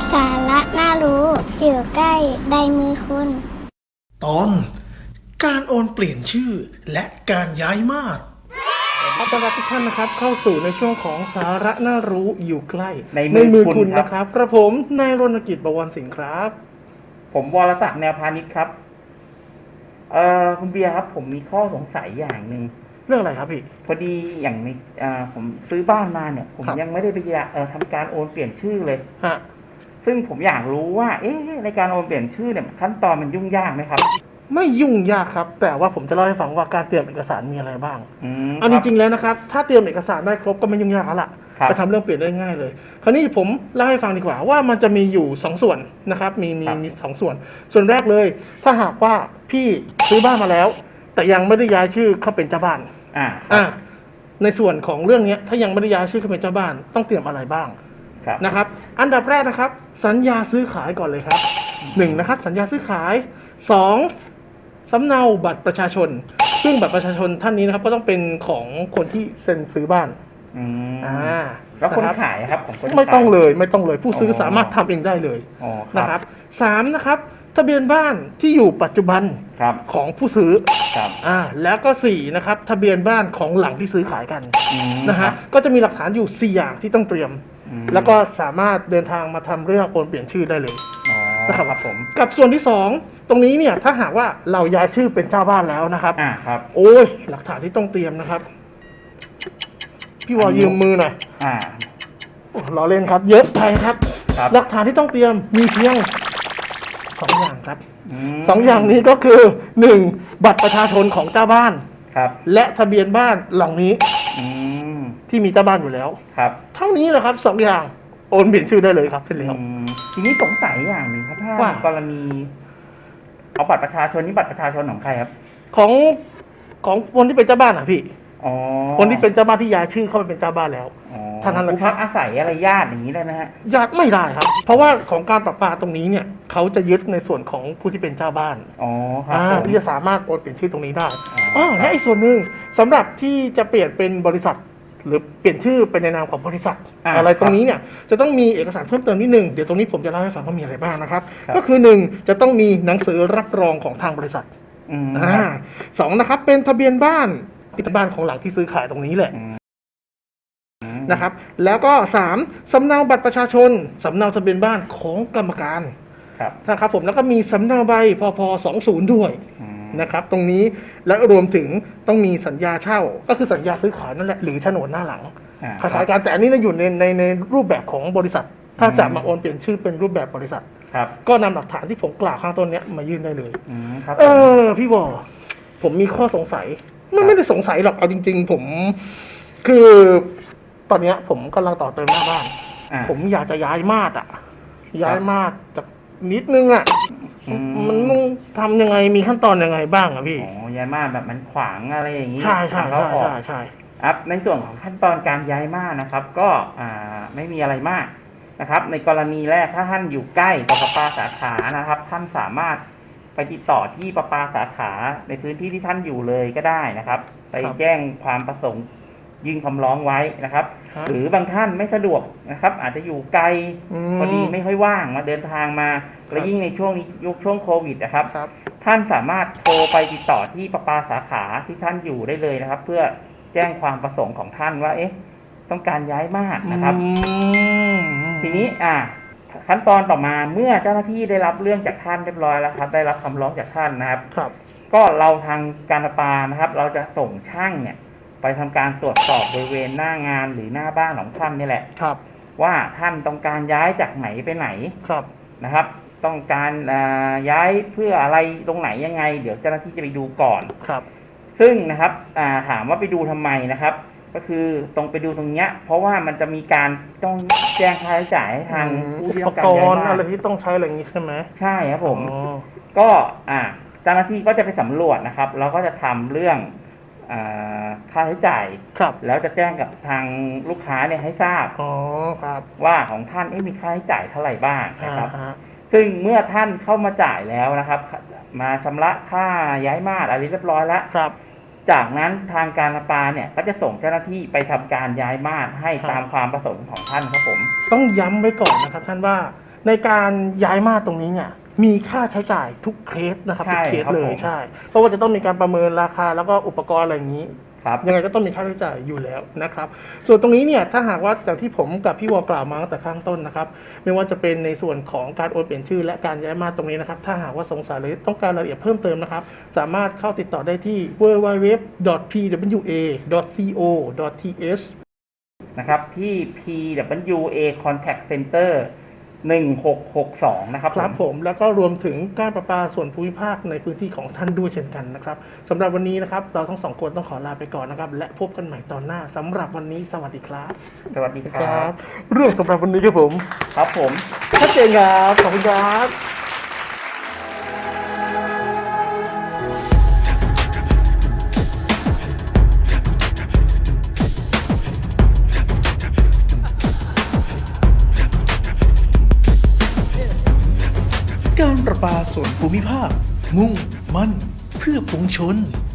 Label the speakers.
Speaker 1: สาระน่ารู้อยู่ใกล้ในมือคุณ
Speaker 2: ตอนการโอนเปลี่ยนชื่อและการย้ายมาด
Speaker 3: ต้อนรับทุกท่านนะครับเข้าสู่ในช่วงของสาระน่ารู้อยู่ใกล้
Speaker 4: ในมือคุณ
Speaker 3: นะครับกระผมนายรณกิจบวรสิงห์ครับ
Speaker 4: ผมวรศักดิ์แนวพาณิชย์ครับคุณเบียร์ครับผมมีข้อสงสัยอย่างหนึ่ง
Speaker 3: เรื่องอะไรครับพี่
Speaker 4: พอดีอย่างในผมซื้อบ้านมาเนี่ยผมยังไม่ได้ไปทำการโอนเปลี่ยนชื่อเลย
Speaker 3: ฮะ
Speaker 4: ซึ่งผมอยากรู้ว่าในการโอนเปลี่ยนชื่อเนี่ยขั้นตอนมันยุ่งยากไหมครับ
Speaker 3: ไม่ยุ่งยากครับแต่ว่าผมจะเล่าให้ฟังว่าการเตรียมเอกสารมีอะไรบ้าง
Speaker 4: เอา
Speaker 3: จริงๆแล้วนะครับถ้าเตรียมเอกสารได้ครบก็ไม่ยุ่งยากแล้วล่ะไปทำเรื่องเปลี่ยนได้ง่ายเลยคราวนี้ผมเล่าให้ฟังดีกว่าว่ามันจะมีอยู่2ส่วนนะครับมี2ส่วนแรกเลยถ้าหากว่าพี่ซื้อบ้านมาแล้วแต่ยังไม่ได้ย้ายชื่อเข้าเป็นเจ้าบ้านในส่วนของเรื่องนี้ถ้ายังไม่ได้ย้ายชื่อเข้าเป็นเจ้าบ้านต้องเตรียมอะไรบ้างนะครับอันดับแรกนะครับสัญญาซื้อขายก่อนเลยครับ1นะครับสัญญาซื้อขาย2สำเนาบัตรประชาชนซึ่งบัตรประชาชนท่านนี้นะครับก็ต้องเป็นของคนที่เซ็นซื้อบ้าน
Speaker 4: แล้วคนขายครับของคน
Speaker 3: ไม่ต้องเลยผู้ซื้อสามารถทำเองได้เลยนะครับ3นะครับทะเบียนบ้านที่อยู่ปัจจุบันของผู้ซื้อแล้วก็4นะครับทะเบียนบ้านของหลังที่ซื้อขายกันนะฮะก็จะมีหลักฐานอยู่4อย่างที่ต้องเตรียมแล้วก็สามารถเดินทางมาทำเรื่องโอนเปลี่ยนชื่อได้เลยนะครับผมกับส่วนที่2ตรงนี้เนี่ยถ้าหากว่าเราย้ายชื่อเป็นเจ้าบ้านแล้วนะครับโอ้ยหลักฐานที่ต้องเตรียมนะครับพี่วอยืมมือหน่อยล้อเล่นครับเยอะไปครับหลักฐานที่ต้องเตรียมมีเพียง2อย่างครับ2อย่างนี้ก็คือ1บัตรประชาชนของเจ้าบ้านและทะเบียนบ้านหลังนี้ที่มีเจ้าบ้านอยู่แล้วเท่านี้แหละครับ2อย่างโอนเปลี่ยนชื่อได้เลยครับเสร็จแล้ว
Speaker 4: ทีนี้สงสัยอย่างหนึ่งครับถ้ากรณีเอาบัตรประชาชนนี่บัตรประชาชนของใครครับ
Speaker 3: ของคนที่เป็นเจ้าบ้านอ่ะพี่คนที่เป็นเจ้าบ้านที่ย้ายชื่อเข้าไปเป็นเจ้าบ้านแล้ว
Speaker 4: ท่านนั้นผู้พักอาศัยอะไรญาติอย่างนี้ได้ไหมฮะ
Speaker 3: ญาติไม่ได้ครับเพราะว่าของการประปาตรงนี้เนี่ยเขาจะยึดในส่วนของผู้ที่เป็นเจ้าบ้านที่จะสามารถโอนเปลี่ยนชื่อตรงนี้ได้และอีกส่วนหนึ่งสำหรับที่จะเปลี่ยนเป็นบริษัทหรือเปลี่ยนชื่อเป็นในนามของบริษัทอะไรตรงนี้เนี่ยจะต้องมีเอกสารเพิ่มเติมนิดนึงเดี๋ยวตรงนี้ผมจะเล่าให้ฟังว่ามีอะไรบ้างนะครับก็คือ1จะต้องมีหนังสือรับรองของทางบริษัท2นะครับเป็นทะเบียนบ้านของหลังที่ซื้อขายตรงนี้แหละนะครับแล้วก็3สำเนาบัตรประชาชนสำเนาทะเบียนบ้านของกรรมการนะครับผมแล้วก็มีสำเนาใบพพ20ด้วยนะครับตรงนี้และรวมถึงต้องมีสัญญาเช่าก็คือสัญญาซื้อขายนั่นแหละหรือโฉนดหน้าหลังคล้ายๆกันแต่อันนี้อยู่ในรูปแบบของบริษัทถ้าจะมาโอนเปลี่ยนชื่อเป็นรูปแบบบริษัทก็นำหลักฐานที่ผมกล่าวข้างต้นนี้มายื่นได้เลยพี่วอผมมีข้อสงสัยไม่ได้สงสัยหรอกเอาจริงๆผมคือตอนนี้ผมกำลังต่อเติมหน้าบ้านผมอยากจะย้ายมาดจากนิดนึงมันต้องทำยังไงมีขั้นตอนยังไงบ้างพี่
Speaker 4: ย้ายมาดแบบมันขวางอะไรอย่างนี้
Speaker 3: ใช่
Speaker 4: ครับในส่วนของขั้นตอนการย้ายมาดนะครับก็ไม่มีอะไรมากนะครับในกรณีแรกถ้าท่านอยู่ใกล้กับประปาสาขานะครับท่านสามารถไปติดต่อที่ประปาสาขาในพื้นที่ที่ท่านอยู่เลยก็ได้นะครับไปแจ้งความประสงค์ยื่นคำร้องไว้นะครับหรือบางท่านไม่สะดวกนะครับอาจจะอยู่ไกลพอดีไม่ค่อยว่างมาเดินทางมาและยิ่งในช่วงนี้ยุคช่วงโควิดนะครับท่านสามารถโทรไปติดต่อที่ประปาสาขาที่ท่านอยู่ได้เลยนะครับเพื่อแจ้งความประสงค์ของท่านว่าต้องการย้ายมาดนะครับทีนี้ขั้นตอนต่อมาเมื่อเจ้าหน้าที่ได้รับเรื่องจากท่านเรียบร้อยแล้วครับได้รับคำร้องจากท่านนะครับก็เราทางการประปานะครับเราจะส่งช่างเนี่ยไปทำการตรวจสอบบริเวณหน้างานหรือหน้าบ้านของท่านนี่แหละว่าท่านต้องการย้ายจากไหนไปไหนนะครับต้องการย้ายเพื่ออะไรตรงไหนยังไงเดี๋ยวเจ้าหน้าที่จะไปดูก่อนซึ่งนะครับถามว่าไปดูทำไมนะครับก็คือตรงไปดูตรงเนี้ยเพราะว่ามันจะมีการต้องแจ้งค่าใช้จ่ายให้ทางผู้ที่ต้องการย้ายบ้าน
Speaker 3: อะไรที่ต้องใช้อะไรอย่างนี้ใช่ไหม
Speaker 4: ใช่ครับผมก็เจ้าหน้าที่ก็จะไปสำรวจนะครับแล้วก็จะทำเรื่องค่าใช้จ่ายแล้วจะแจ้งกับทางลูกค้าเนี่ยให้ทราบว่าของท่านมีค่าใช้จ่ายเท่าไหร่บ้างนะครับซึ่งเมื่อท่านเข้ามาจ่ายแล้วนะครับมาชำระค่าย้ายมาดอะไรเรียบร้อยแล้วจากนั้นทางการประปาเนี่ยก็จะส่งเจ้าหน้าที่ไปทำการย้ายมาดให้ตามความประสงค์ของท่านครับผม
Speaker 3: ต้องย้ำไว้ก่อนนะครับท่านว่าในการย้ายมาตรงนี้เนี่ยมีค่าใช้จ่ายทุกเคสนะครับ
Speaker 4: ใช่
Speaker 3: ทุกเคส
Speaker 4: ครับ
Speaker 3: เล
Speaker 4: ผ
Speaker 3: ย
Speaker 4: ม
Speaker 3: ใช่เพราะว่าจะต้องมีการประเมินราคาแล้วก็อุปกรณ์อะไรอย่างนี้
Speaker 4: ครับ
Speaker 3: ยังไงก็ต้องมีค่าใช้จ่ายอยู่แล้วนะครับ ส่วนตรงนี้เนี่ยถ้าหากว่าจากที่ผมกับพี่วอกล่าวมาตั้งแต่ข้างต้นนะครับ ไม่ว่าจะเป็นในส่วนของการโอนเปลี่ยนชื่อและการย้ายมาตรงนี้นะครับ ถ้าหากว่าสงสัยหรือต้องการรายละเอียดเพิ่มเติมนะครับ สามารถเข้าติดต่อได้ที่ www.pwa.co.th
Speaker 4: นะครับที่ PWA Contact Center 1662 นะครับ
Speaker 3: ครับผมแล้วก็รวมถึงการประปาส่วนภูมิภาคในพื้นที่ของท่านด้วยเช่นกันนะครับสำหรับวันนี้นะครับเราทั้งสองคนต้องขอลาไปก่อนนะครับ และพบกันใหม่ตอนหน้าสำหรับวันนี้สวัสดีครับ
Speaker 4: สวัสดีครับ
Speaker 3: เรื่องสำหรับวันนี้ครับผม
Speaker 4: ครับผม
Speaker 3: ชัดเจนครับขอบคุณครับ
Speaker 2: การประปาส่วนภูมิภาค มุ่งมั่นเพื่อปวงชน